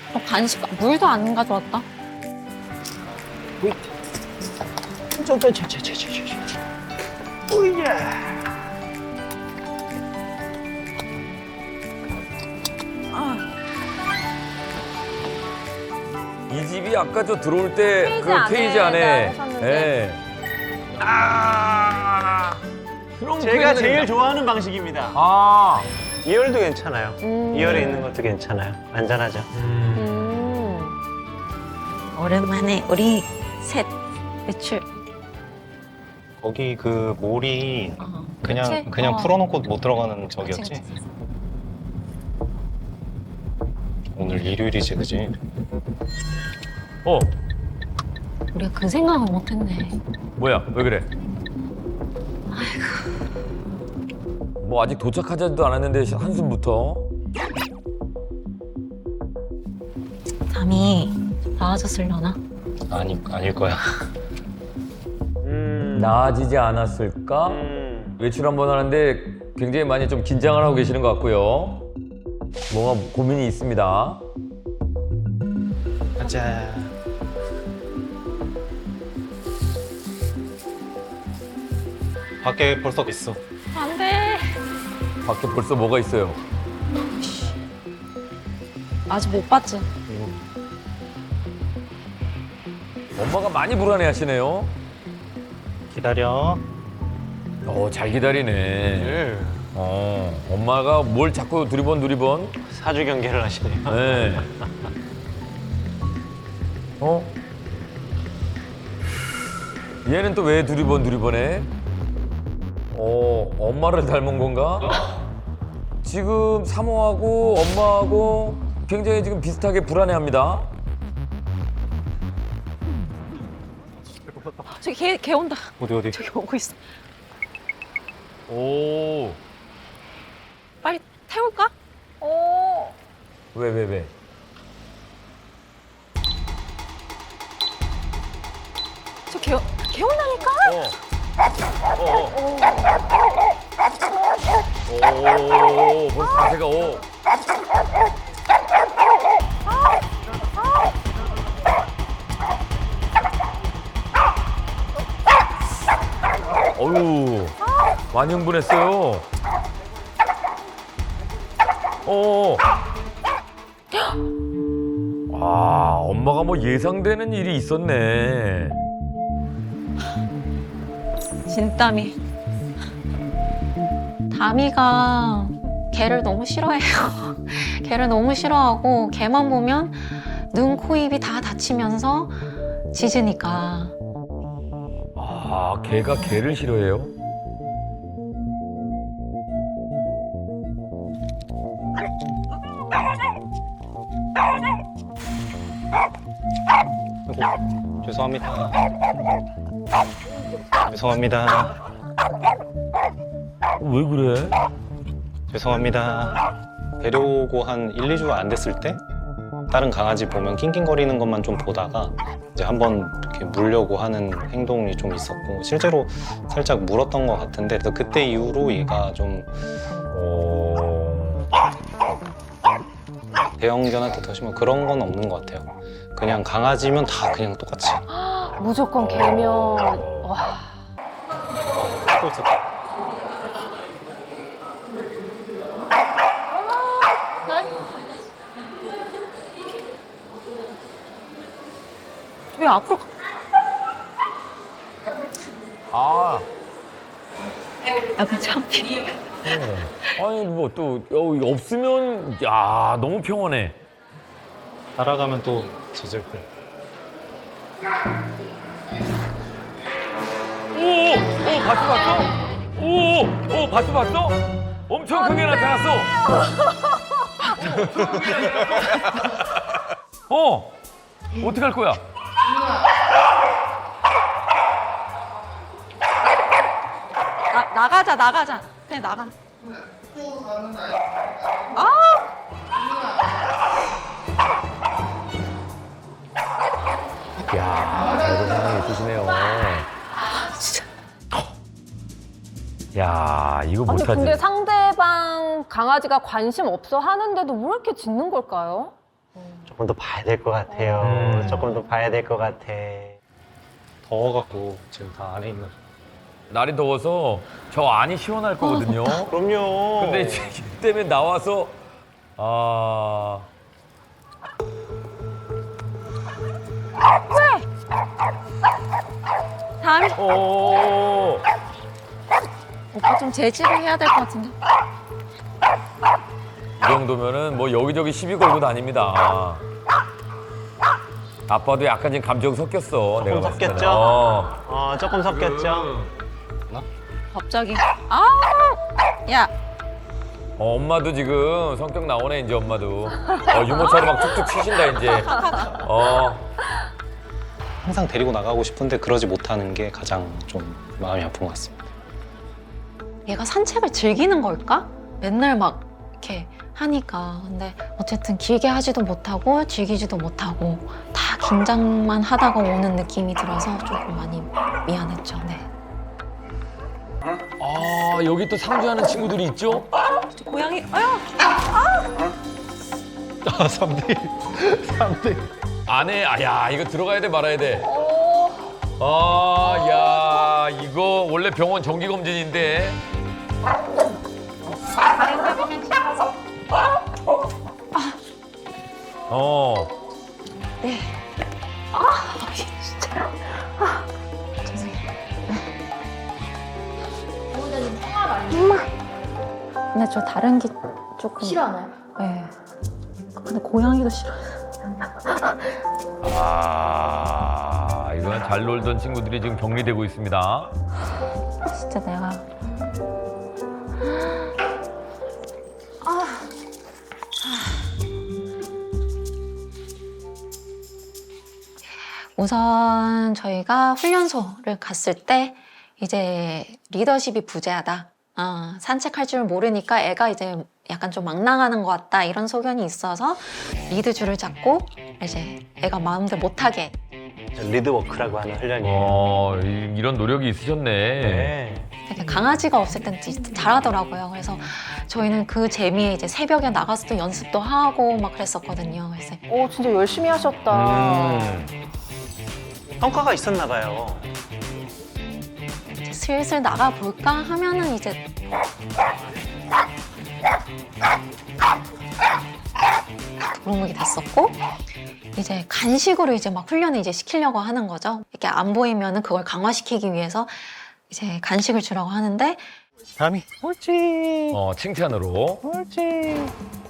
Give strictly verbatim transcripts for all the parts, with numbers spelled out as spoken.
어, 간식, 물도 안 가져왔다. 저저저저저저 오야. 이 집이 아까 저 들어올 때 케이지 그 안에 케이지 안에 하셨는데. 예. 아 그럼 제가 케이지는- 제일 좋아하는 방식입니다. 아 이열도 괜찮아요. 음. 이열에 있는 것도 괜찮아요. 안전하죠. 음. 오랜만에 우리 셋 외출. 거기 그 몰이 어. 그냥 그치? 그냥 어. 풀어놓고 못 들어가는 그치, 저기였지? 그치. 오늘 일요일이지, 그지? 어 우리가 그 생각은 못했네. 뭐야 왜 그래? 뭐 아직 도착하지도 않았는데 한숨부터. 담이 나아졌으려나? 아니 아닐 거야. 음. 나아지지 않았을까? 음. 외출 한번 하는데 굉장히 많이 좀 긴장을 하고 계시는 것 같고요. 뭔가 고민이 있습니다. 가자. 밖에 벌써 있어. 안 돼. 밖에 벌써 뭐가 있어요? 아직 못 봤지? 엄마가 많이 불안해하시네요. 기다려. 어, 잘 기다리네. 예. 어, 엄마가 뭘 자꾸 두리번 두리번. 사주 경계를 하시네요. 네. 어? 얘는 또 왜 두리번 두리번해? 어, 엄마를 닮은 건가? 지금 사모하고 엄마하고 굉장히 지금 비슷하게 불안해합니다. 저기 개, 개 온다. 어디 어디? 저기 오고 있어. 오, 빨리 태울까? 오. 왜, 왜, 왜? 저 개, 개 온다니까? 어. 어, 어. 오, 벌써 자세가 오. 어유, 많이 흥분했어요. 어. 아, 엄마가 뭐 예상되는 일이 있었네. 진땀이. 다미가 개를 너무 싫어해요. 개를 너무 싫어하고 개만 보면 눈, 코, 입이 다 다치면서 짖으니까. 아, 개가 개를 싫어해요? 아이고, 죄송합니다. 죄송합니다. 왜 그래? 죄송합니다. 데려오고 한 일, 이 주가 안 됐을 때 다른 강아지 보면 낑낑거리는 것만 좀 보다가 이제 한번 이렇게 물려고 하는 행동이 좀 있었고 실제로 살짝 물었던 것 같은데 그래서 그때 이후로 얘가 좀 어... 대형견한테 더 심한 그런 건 없는 것 같아요. 그냥 강아지면 다 그냥 똑같이. 무조건 개면. 와. 또 있었다. 왜 앞으로 가? 아, 약간 창피. 아니 뭐 또 없으면 야 너무 평온해. 따라가면 또 짖을 걸. 오, 오, 봤어, 봤어? 오, 오, 봤어, 봤어? 엄청 크게 나타났어. 어, 어떻게 할 거야? 나, 나가자, 나가자. 그냥 나가. 아! 야, 이런 상황이 있으시네요. 진짜. 야, 이거 아니 못하지. 근데 상대방 강아지가 관심 없어 하는데도 왜 이렇게 짖는 걸까요? 조금 더 봐야 될 것 같아요. 음. 조금 더 봐야 될 것 같아. 더워갖고 지금 다 안에 있는. 날이 더워서 저 안이 시원할 거거든요. 그럼요. 근데 이제 이 때문에 나와서 아 다음에 오. 오빠 좀 제지를 해야 될 것 같은데. 이 정도면은 뭐 여기저기 시비 걸고 다닙니다. 아빠도 약간 지금 감정 섞였어. 내가 봤을 때는. 섞였죠? 어. 어, 조금 섞였죠? 갑자기 아, 야, 어, 엄마도 지금 성격 나오네 이제 엄마도. 어, 유모차로 막 툭툭 치신다 이제. 어. 항상 데리고 나가고 싶은데 그러지 못하는 게 가장 좀 마음이 아픈 것 같습니다. 얘가 산책을 즐기는 걸까? 맨날 막 이렇게 하니까. 근데 어쨌든 길게 하지도 못하고 즐기지도 못하고 다 긴장만 하다가 오는 느낌이 들어서 조금 많이 미안했죠. 네. 아 여기 또 상주하는 친구들이 있죠? 고양이, 아유. 아, 삼 대 일. 삼 대 일. 안에 아야 이거 들어가야 돼 말아야 돼. 아야 이거 원래 병원 정기 검진인데. 어. 네. 아, 진짜. 아, 죄송해요. 엄마. 근데 저 다른 게 조금 싫어하나요? 네. 근데 고양이도 싫어. 아 이건 잘 놀던 친구들이 지금 격리되고 있습니다. 진짜 내가 우선 저희가 훈련소를 갔을 때 이제 리더십이 부재하다. 어, 산책할 줄 모르니까 애가 이제 약간 좀 막 나가는 것 같다 이런 소견이 있어서 리드줄을 잡고 이제 애가 마음대로 못하게. 리드워크라고 하는 훈련이에요. 어 이- 이런 노력이 있으셨네. 네. 되게 강아지가 없을 땐 진짜 잘하더라고요. 그래서 저희는 그 재미에 이제 새벽에 나가서도 연습도 하고 막 그랬었거든요. 그래서 오, 진짜 열심히 하셨다. 음. 성과가 있었나 봐요. 이제 슬슬 나가 볼까 하면은 이제 도루묵이 됐었고 이제 간식으로 이제 막 훈련을 이제 시키려고 하는 거죠. 이렇게 안 보이면은 그걸 강화시키기 위해서 이제 간식을 주라고 하는데 다음이 옳지. 어 칭찬으로. 옳지.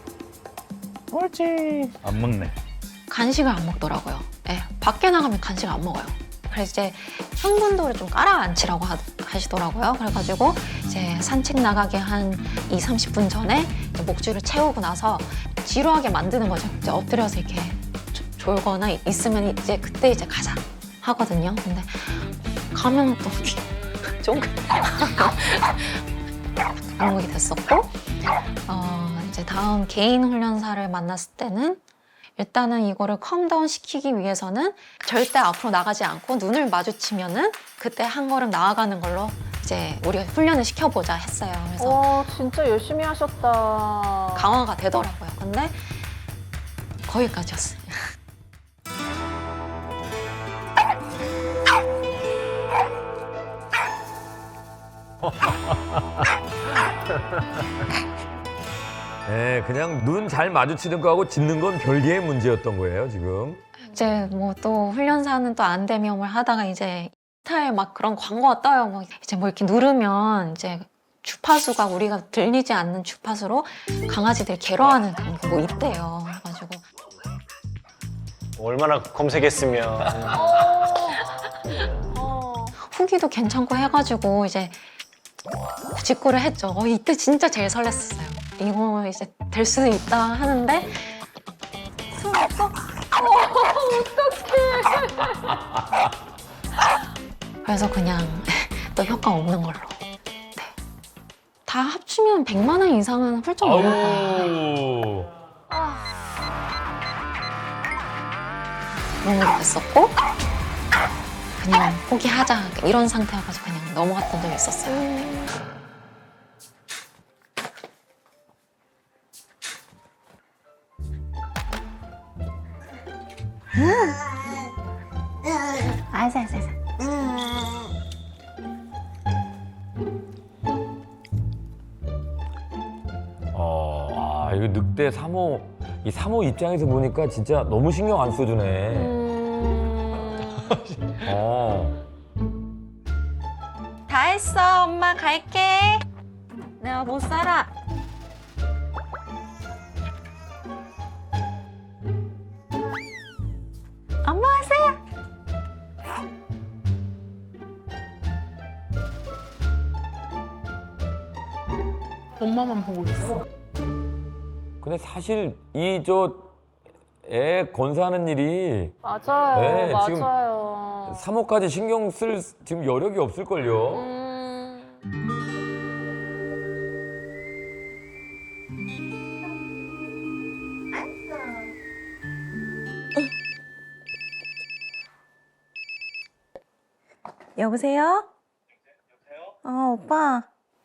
옳지. 안 먹네. 간식을 안 먹더라고요. 예, 밖에 나가면 간식을 안 먹어요. 그래서 이제 흥분도를 좀 깔아앉히라고 하, 하시더라고요. 그래가지고 이제 산책 나가기 한 이, 삼십 분 전에 이제 목줄을 채우고 나서 지루하게 만드는 거죠. 이제 엎드려서 이렇게 조- 졸거나 있으면 이제 그때 이제 가자 하거든요. 근데 가면 또 쫑긋 도루묵이 됐었고 어, 이제 다음 개인 훈련사를 만났을 때는 일단은 이거를 컴다운 시키기 위해서는 절대 앞으로 나가지 않고 눈을 마주치면은 그때 한 걸음 나아가는 걸로 이제 우리가 훈련을 시켜보자 했어요. 그래서 와, 진짜 열심히 하셨다. 강화가 되더라고요. 근데 거기까지였어요. 네, 그냥 눈 잘 마주치는 거하고 짖는 건 별개의 문제였던 거예요 지금. 이제 뭐 또 훈련사는 또 안대미험을 하다가 이제 스타일 막 그런 광고가 떠요. 뭐 이제 뭐 이렇게 누르면 이제 주파수가 우리가 들리지 않는 주파수로 강아지들 괴로워하는 그런 게 뭐 있대요. 그래가지고 얼마나 검색했으면. 어. 후기도 괜찮고 해가지고 이제 직구를 했죠. 어, 이때 진짜 제일 설렜어요. 이거 이제 될 수도 있다 하는데 손 없어? 어, 어떡해. 그래서 그냥 또 효과 없는 걸로. 네. 다 합치면 백만 원 이상은 훌쩍 넘을 거예요. 아우. 그런 게 됐었고 그냥 포기하자 이런 상태여가지고 그냥 넘어갔던 적이 있었어요. 알았어, 알았어, 알았어. 어, 아, 이거 늑대 사모, 이 사모 입장에서 보니까 진짜 너무 신경 안 써주네. 음... 어. 다 했어, 엄마 갈게. 내가 못 살아. 엄마 왔어요. 엄마만 보고 있어. 근데 사실 이 저 애 건사하는 일이 맞아요. 네, 지금- 맞아요. 사모까지 신경 쓸 지금 여력이 없을걸요. 음... 여보세요? 어, 오빠.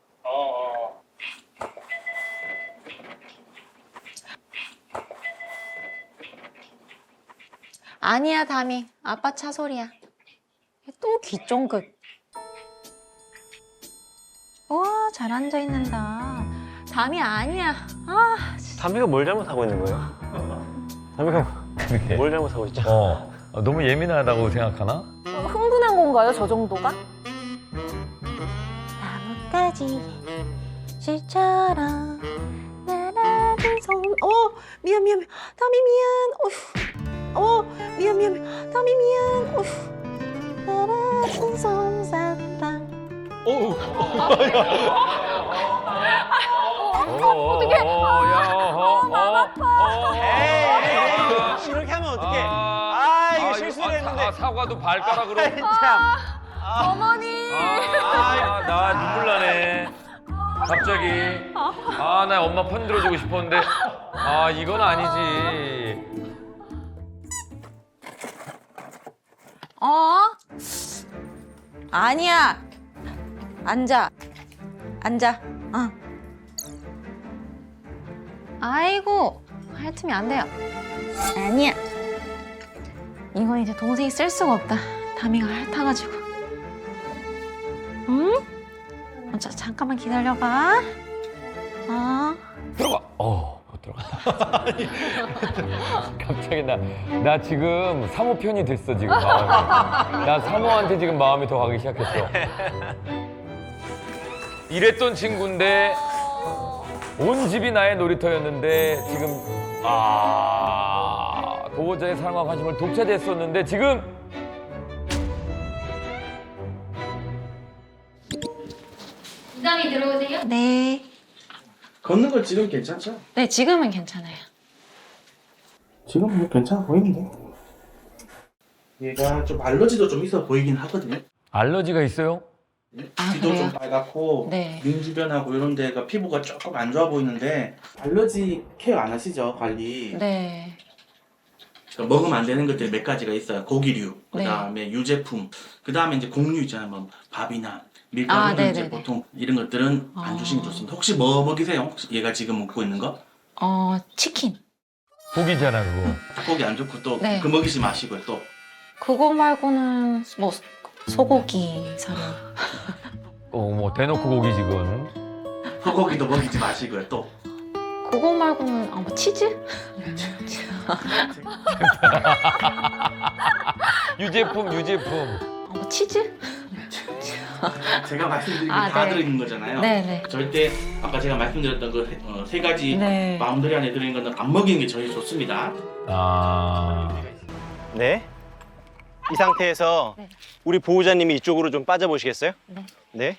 아니야, 담이. 아빠 차 소리야. 또 귀쫑긋. 와, 잘 앉아 있는다. 담이 아니야. 아, 담비가 뭘 잘못하고 있는 거예요? 담비가 그렇게. 뭘 잘못하고 있죠? 어, 어, 너무 예민하다고 생각하나? 흥분한 건가요, 저 정도가? 나뭇가지 실처럼 날아든 손. 어, 미안, 미안, 미안. 담이 미안. 어휴. 어, 미안, 미안, 미안. 담이 미안. 어휴. 날아든 솜사탕. 어, 어떻게? 어, 야, 어, 어, 에이, 이렇게 하면 어떡해? 아, 이거 실수를 했는데. 아, 사과도 발가락으로. 참. 어머니! 아, 나 눈물 나네. 갑자기. 아, 나 엄마 편 들어주고 싶었는데. 아, 이건 아니지. 어? 아니야. 앉아. 앉아. 어. 아이고, 핥으면 안 돼요. 아니야. 이건 이제 동생이 쓸 수가 없다. 다미가 핥아가지고. 응? 어, 자, 잠깐만 기다려봐. 어. 들어가. 어, 못 들어가. 갑자기 나, 나 지금 사모 편이 됐어, 지금 마음이. 나 사모한테 지금 마음이 더 가기 시작했어. 이랬던 친구인데, 온 집이 나의 놀이터였는데, 지금, 아, 보호자의 사랑과 관심을 독차지했었는데, 지금, 부담이 들어오세요? 네. 걷는 거 지금 괜찮죠? 네, 지금은 괜찮아요. 지금 뭐 괜찮아 보이는데. 얘가 좀 알러지도 좀 있어 보이긴 하거든요. 알러지가 있어요? 아, 귀도 그래요? 좀 빨갛고 네. 눈 주변하고 이런 데가 피부가 조금 안 좋아 보이는데 알러지 케어 안 하시죠? 관리. 네. 그러니까 먹으면 안 되는 것들이 몇 가지가 있어요. 고기류, 그 네. 다음에 유제품, 그 다음에 이제 곡류 있잖아요. 뭐 밥이나 아, 밀가루 등 이제 네네네. 보통 이런 것들은 안 아. 주시면 좋습니다. 혹시 뭐 먹이세요? 혹시 얘가 지금 먹고 있는 거? 어, 치킨. 고기잖아, 그거. 고기 안 좋고 또 그 네. 먹이지 마시고요. 또 그거 말고는 뭐 소고기 사료. 어, 뭐, 대놓고 고기 지금. 소고기도 먹이지 마시고요. 또 그거 말고는 아, 뭐 치즈? 유제품, 유제품. 아, 뭐 치즈? 제가 말씀드린 게 아, 다 네. 들어있는 거잖아요. 네네. 절대 아까 제가 말씀드렸던 그 세 가지 네. 마음들이 안에 들어있는 거는 안 먹이는 게 제일 좋습니다. 아. 네. 이 상태에서 네. 우리 보호자님이 이쪽으로 좀 빠져보시겠어요? 네. 네.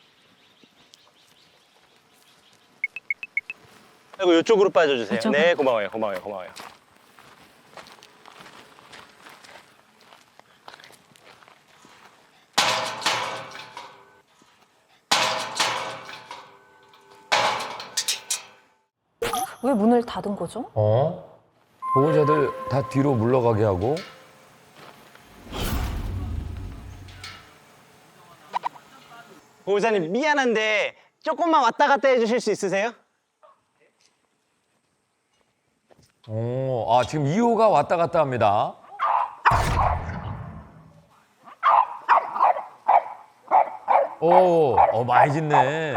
그리고 이쪽으로 빠져주세요. 이쪽으로? 네, 고마워요, 고마워요, 고마워요. 왜 문을 닫은 거죠? 어? 보호자들 다 뒤로 물러가게 하고. 보호자님 미안한데 조금만 왔다 갔다 해주실 수 있으세요? 어, 아, 지금 이 호가 왔다 갔다 합니다. 오, 어, 많이 짖네.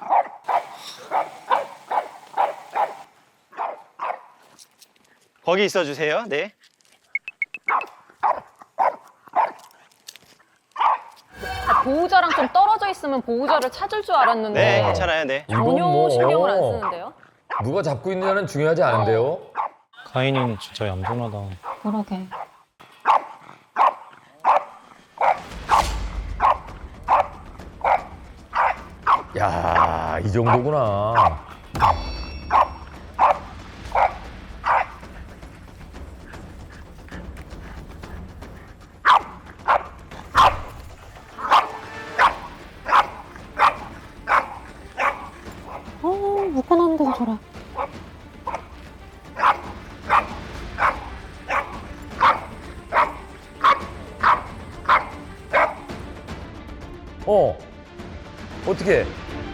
거기 있어 주세요. 네. 보호자랑 좀 떨어져 있으면 보호자를 찾을 줄 알았는데 네, 괜찮아요. 네. 이건 전혀 뭐, 신경을 안 쓰는데요? 누가 잡고 있느냐는 중요하지 않은데요? 가인이는 진짜 얌전하다. 그러게. 야, 이 정도구나. 어, 묶어놨는데도 저래. 어, 어떻게?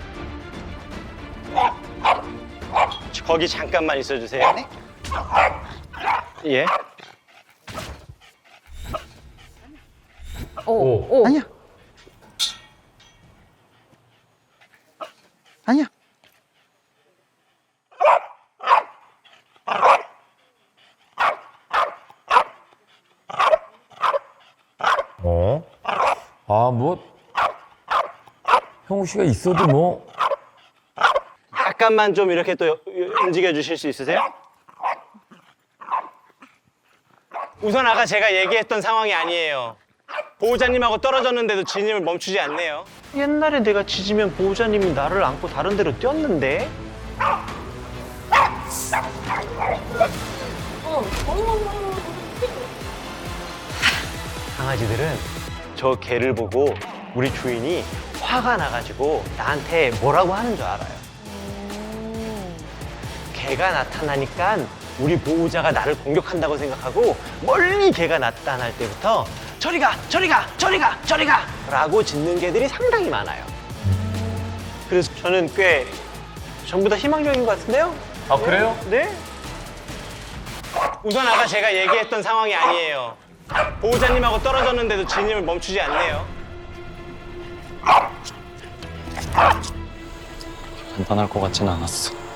거기 잠깐만 있어 주세요. 네. 예. 오, 오. 오. 아니야. 아니야. 어? 아, 뭐 형우 씨가 있어도 뭐 잠깐만 좀 이렇게 또 움직여 주실 수 있으세요? 우선 아까 제가 얘기했던 상황이 아니에요. 보호자님하고 떨어졌는데도 진입을 멈추지 않네요. 옛날에 내가 짖으면 보호자님이 나를 안고 다른 데로 뛰었는데? 강아지들은 저 개를 보고 우리 주인이 화가 나가지고 나한테 뭐라고 하는 줄 알아요. 개가 나타나니까 우리 보호자가 나를 공격한다고 생각하고 멀리 개가 나타날 때부터 저리 가, 저리 가, 저리 가, 저리 가 라고 짖는 개들이 상당히 많아요. 그래서 저는 꽤 전부 다 희망적인 것 같은데요? 아, 그래요? 네. 우선 아까 제가 얘기했던 상황이 아니에요. 보호자님하고 떨어졌는데도 진입을 멈추지 않네요. 간단할 것 같진 않았어.